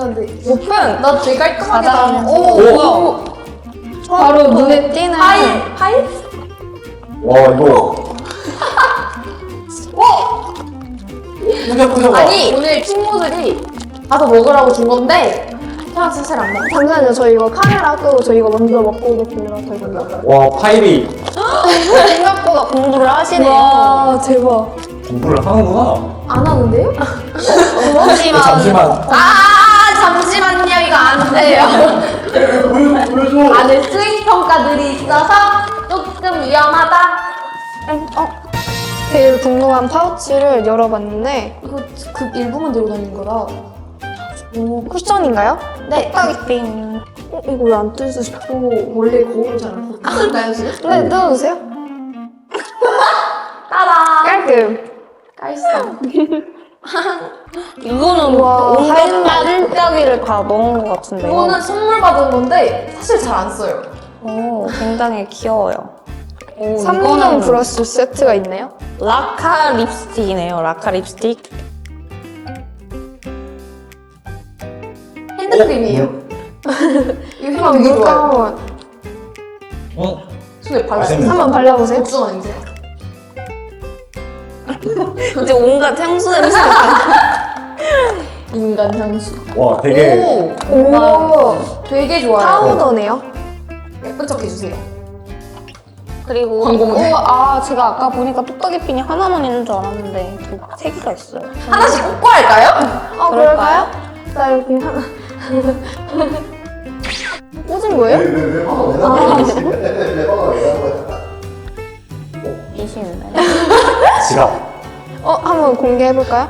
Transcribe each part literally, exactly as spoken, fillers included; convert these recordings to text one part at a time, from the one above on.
네. 높은 나 되게 깔끔하게 가장 나왔어. 오, 뭐야? 바로 눈에 띄는 파일? 파일? 와 이거 푸셔푸셔. 아니 오늘 친구들이 가서 먹으라고 준 건데 그냥 사실 안 먹어. 잠시만요. 저 이거 카메라 끄고 저 이거 먼저 먹고 오겠습니다. 되겠나? 와 파일이 생각보다 공부를 하시네요. 와 대박. 공부를 하는구나. 안 하는데요? 그렇지만 잠시만. 아 잠시만요 이거 안 돼요. 보여줘. 안에 수익 평가들이 있어서 조금 위험하다. 어? 제일 궁금한 파우치를 열어봤는데 이거 그 일부만 들고 다니는 거라. 오, 쿠션인가요? 네. 딱이빙. 어, 이거 왜 안 뜯으시죠? 오 원래 거울을 잘안 뜯나요 지금? 네, 뜯어주세요. 따라. 깔끔. 깔쌈. 이거는 우와, 온갖 하얀 딸따기를 다 넣은 것 같은데요. 이거는 선물 받은 건데 사실 잘 안 써요. 오, 굉장히 귀여워요. 오, 삼 종 이거는 브러쉬 세트가 있네요. 라카 립스틱이네요. 라카 립스틱. 핸드크림이에요. 이거 향 되게 물감 좋아요. 한번, 응. 손에 발라요. 맛있는 한번 발라보세요. 복숭아 냄새. 이제 온갖 향수 냄새가. 인간 향수. 와 되게 오. 오, 되게 좋아요. 파우더네요. 예쁜 척 해주세요. 그리고 광고 모델. 오, 아 제가 아까 보니까 뚝딱이 핀이 하나만 있는 줄 알았는데 두- 세 개가 있어요. 하나씩 꽂고 할까요? 어, 그럴까요? 나 여기 하나. 꽂은 거예요? 이십인데. 지갑. 어, 한번 공개해볼까요?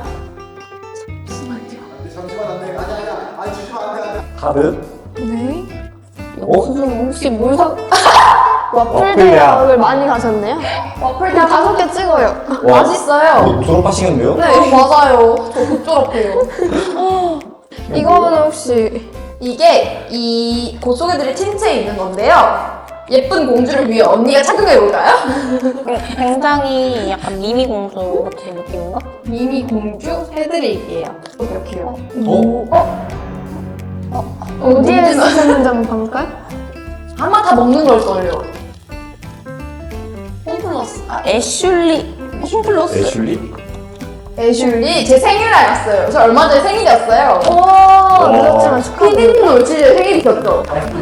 카드. 네. 어? 혹시 뭘 사? 와플 와플이야. 대학을 많이 가셨네요? 와플 그냥 다섯 개 찍어요. 와. 맛있어요. 뭐 졸업하시겠는데요? 네 맞아요. 저 곧 졸업해요. 이거는 혹시 이게 이 곧 소개드릴 틴트에 있는 건데요. 예쁜 공주를 위해 언니가 착용해 볼까요? 굉장히 약간 미미 공주 같은 느낌인가? 미미 공주 해드릴게요. 이렇게요. 어? 어디에 쓰셨는지 한번 봐볼까요? 아마 다 먹는 걸걸요. 홈플러스. 아, 애슐리 홈플러스. 애슐리? 애슐리 제 생일날이었어요. 저 얼마 전에 생일이었어요. 오, 늦었지만 축하드립니다. 피디님 올지 제 생일이었죠.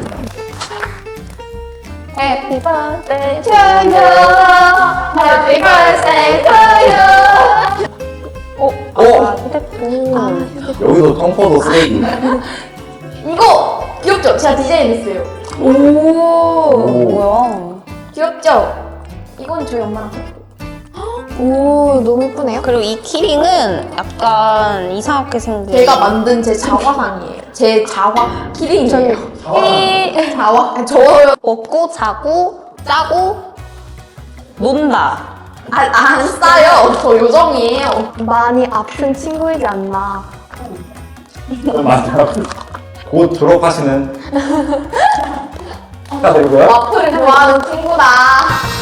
해피 버스데이 To you, happy birthday to you. 어? 어? 아, 휴대폰. 여기도 텅퍼도 쓰레기. 이거 귀엽죠? 제가 디자인했어요. 오. 오. 뭐야? 귀엽죠? 이건 저희 엄마랑 오, 너무 예쁘네요. 그리고 이 키링은 약간 이상하게 생긴. 제가 만든 제 자화상이에요. 제 자화 키링이에요. 키 자화? 아니, 저요. 먹고 자고 짜고 논다. 아, 안 싸요. 저 요정이에요. 많이 아픈 친구이지 않나. 맞아. 곧 졸업하시는 축하드리고요. 와플을 좋아하는 친구다.